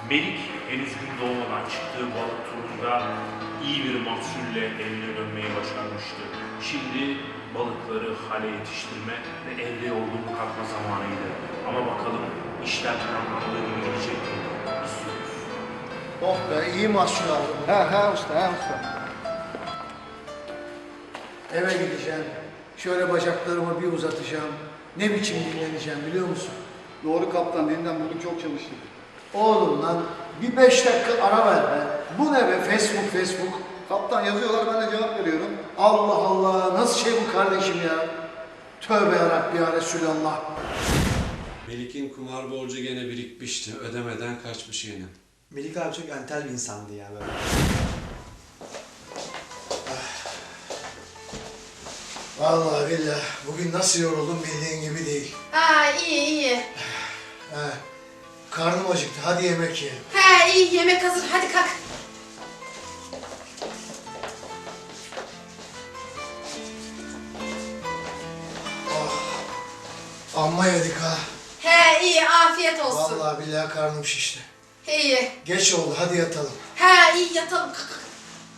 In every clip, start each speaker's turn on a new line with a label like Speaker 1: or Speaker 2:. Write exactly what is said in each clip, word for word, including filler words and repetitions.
Speaker 1: Melik henüz gün doğmadan çıktığı balık turunda iyi bir mahsulle evine dönmeyi başarmıştı. Şimdi balıkları hale yetiştirme ve evde yorgunluk atma zamanıydı. Ama bakalım işler planlandığı gibi gidecek mi? İstiyoruz.
Speaker 2: Oh be, iyi mahsul aldım.
Speaker 3: He he usta, he usta.
Speaker 2: Eve gideceğim. Şöyle bacaklarımı bir uzatacağım. Ne biçim dinleneceğim biliyor musun?
Speaker 3: Doğru kaptan, dinlen bugün çok çalıştık.
Speaker 2: Oğlum lan bir beş dakika ara ver be. Bu ne be, Facebook Facebook.
Speaker 3: Kaptan yazıyorlar, ben de cevap veriyorum.
Speaker 2: Allah Allah, nasıl şey bu kardeşim ya? Tövbe yarabbi ya Resulallah.
Speaker 4: Melik'in kumar borcu gene birikmişti. Ödemeden kaçmış yine.
Speaker 5: Melik abi çok entel bir insandı ya böyle.
Speaker 2: Vallahi billahi bugün nasıl yoruldum bildiğin gibi değil.
Speaker 6: Ha iyi iyi.
Speaker 2: He, karnım acıktı, hadi yemek yiyelim.
Speaker 6: He iyi yemek hazır hadi kalk.
Speaker 2: Amma yedik ha.
Speaker 6: He iyi afiyet olsun.
Speaker 2: Vallahi billahi karnım şişti.
Speaker 6: İyi.
Speaker 2: Geç oldu, hadi yatalım.
Speaker 6: He iyi yatalım. Kalk, kalk.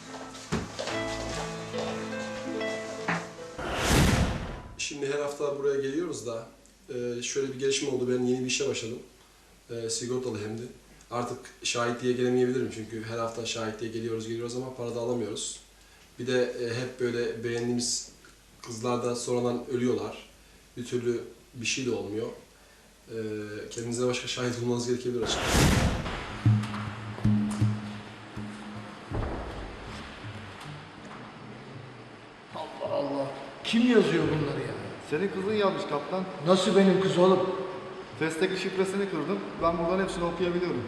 Speaker 4: Şimdi her hafta buraya geliyoruz da e, şöyle bir gelişme oldu. Ben yeni bir işe başladım. E, sigortalı hem de. Artık şahitliğe gelemeyebilirim çünkü her hafta şahitliğe geliyoruz geliyoruz ama para da alamıyoruz. Bir de e, hep böyle beğendiğimiz kızlar da sonradan ölüyorlar. Bir türlü bir şey de olmuyor. E, kendinize başka şahit bulmanız gerekebilir açıkçası.
Speaker 2: Allah Allah. Kim yazıyor bunları ya?
Speaker 3: Senin kızın yazmış kaptan.
Speaker 2: Nasıl benim kız oğlum?
Speaker 3: Testteki şifresini kırdım. Ben buradan hepsini okuyabiliyorum.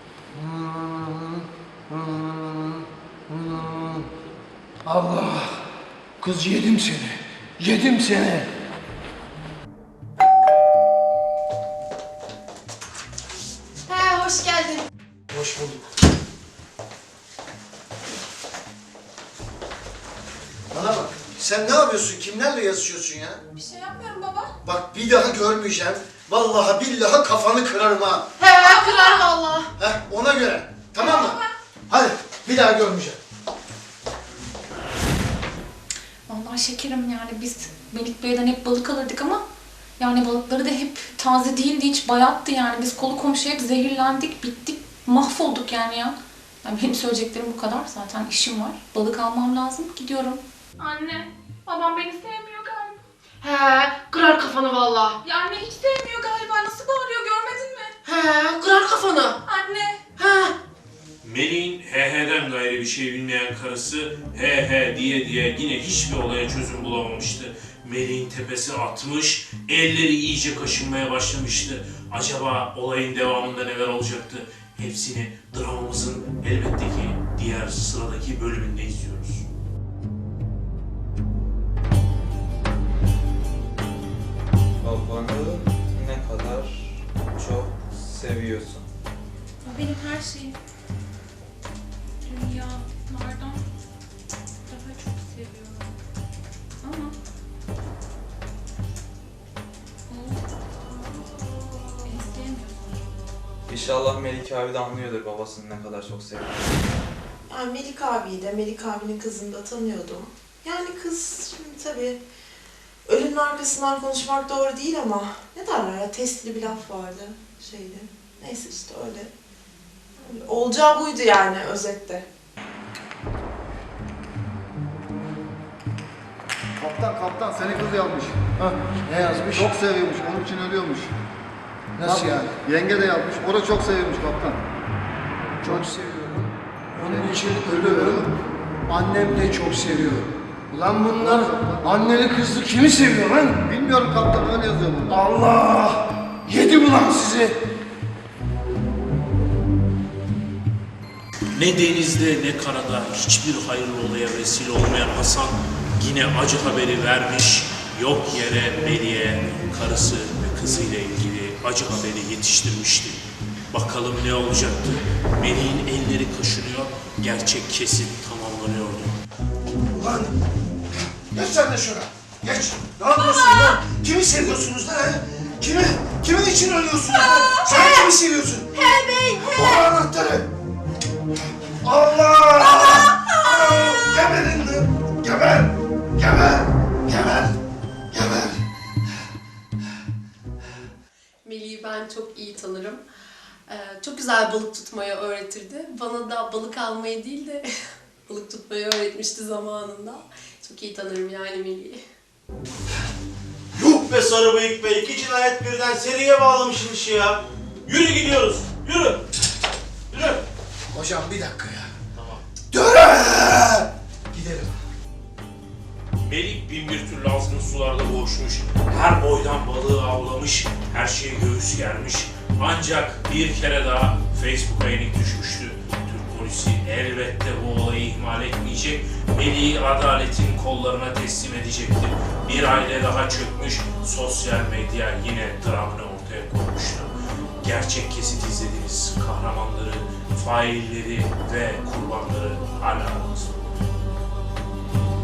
Speaker 2: Allah! Kız yedim seni. Yedim seni.
Speaker 6: He hoş geldin.
Speaker 2: Hoş bulduk. Bana bak. Sen ne yapıyorsun? Kimlerle yazışıyorsun ya?
Speaker 6: Bir şey yapmıyorum baba.
Speaker 2: Bak bir daha görmeyeceğim. Vallahi billahi kafanı kırarım ha.
Speaker 6: He kırar valla.
Speaker 2: Heh, ona göre. Tamam mı? Hadi bir daha görmeyeceğim.
Speaker 7: Vallahi şekerim yani biz Melik Bey'den hep balık alırdık ama yani balıkları da hep taze değildi, hiç bayattı yani. Biz kolu komşuya hep zehirlendik, bittik, mahvolduk yani ya. Yani benim söyleyeceklerim bu kadar. Zaten işim var. Balık almam lazım. Gidiyorum. Anne, babam beni sevmiyor galiba.
Speaker 6: He kırar kafanı valla.
Speaker 7: Ya anne hiç sevmiyor galiba. Nasıl bağırıyor görmedin mi?
Speaker 6: He kırar kafanı.
Speaker 7: Anne.
Speaker 6: He.
Speaker 1: Melih'in he he'den gayrı bir şey bilmeyen karısı he he diye diye yine hiçbir olaya çözüm bulamamıştı. Melih'in tepesi atmış, elleri iyice kaşınmaya başlamıştı. Acaba olayın devamında neler olacaktı? Hepsini dramamızın elbette ki diğer sıradaki bölümünde izliyoruz.
Speaker 8: Babanı ne kadar çok seviyorsun.
Speaker 7: O benim her şeyim. Dünyalardan daha çok seviyorum. Ama o beni sevmiyor.
Speaker 8: İnşallah Melik abi de anlıyordur babasını ne kadar çok sevdiğini.
Speaker 9: Yani Melik abiyi de, Melik abinin kızını da tanıyordum. Yani kız şimdi tabii ölünün arkasından konuşmak doğru değil ama ne derler ya, testli bir laf vardı şeyde. Neyse işte öyle. Öyle. Olacağı buydu yani özette.
Speaker 3: Kaptan kaptan senin kız yazmış.
Speaker 2: Hah, ne yazmış?
Speaker 3: Çok seviyormuş, onun için ölüyormuş.
Speaker 2: Nasıl yani?
Speaker 3: Yenge de yazmış, o da çok seviyormuş kaptan.
Speaker 2: Çok seviyorum. Onun için ölüyorum. Annem de çok seviyor. Ulan bunlar anneli kızlı kimi seviyor lan?
Speaker 3: Bilmiyorum kaptan, öyle yazıyor bunda.
Speaker 2: Allah! Yedim ulan sizi!
Speaker 1: Ne denizde ne karada hiçbir hayırlı olaya vesile olmayan Hasan yine acı haberi vermiş, yok yere Melih'e karısı ve kızıyla ilgili acı haberi yetiştirmişti. Bakalım ne olacaktı? Melih'in elleri kaşınıyor, gerçek kesin tamamlanıyordu.
Speaker 2: Ulan! Geç sen de şuna! Geç! Ne yapıyorsun lan? Kimi seviyorsunuz lan he? Kimi? Kimin için ölüyorsunuz lan? Sen kimi seviyorsun?
Speaker 6: He bey he.
Speaker 2: Bana anlattı.
Speaker 6: çok güzel balık tutmayı öğretirdi. Bana da balık almayı değil de balık tutmayı öğretmişti zamanında. Çok iyi tanırım yani Melih'i.
Speaker 10: Yuh be sarı bıyık be, iki cinayet birden seriye bağlamışsın işi ya. Yürü gidiyoruz, yürü. Yürü.
Speaker 2: Hocam bir dakika ya.
Speaker 1: Tamam.
Speaker 2: Döre! Gidelim.
Speaker 1: Melik bin bir türlü azgın sularda boğuşmuş, her boydan balığı avlamış, her şeye göğüs germiş. Ancak bir kere daha Facebook'a yenik düşmüştü. Türk polisi elbette bu olayı ihmal etmeyecek, Melik'i adaletin kollarına teslim edecekti. Bir aile daha çökmüş, sosyal medya yine dramını ortaya koymuştu. Gerçek kesit izlediğiniz kahramanları, failleri ve kurbanları hala aramızda.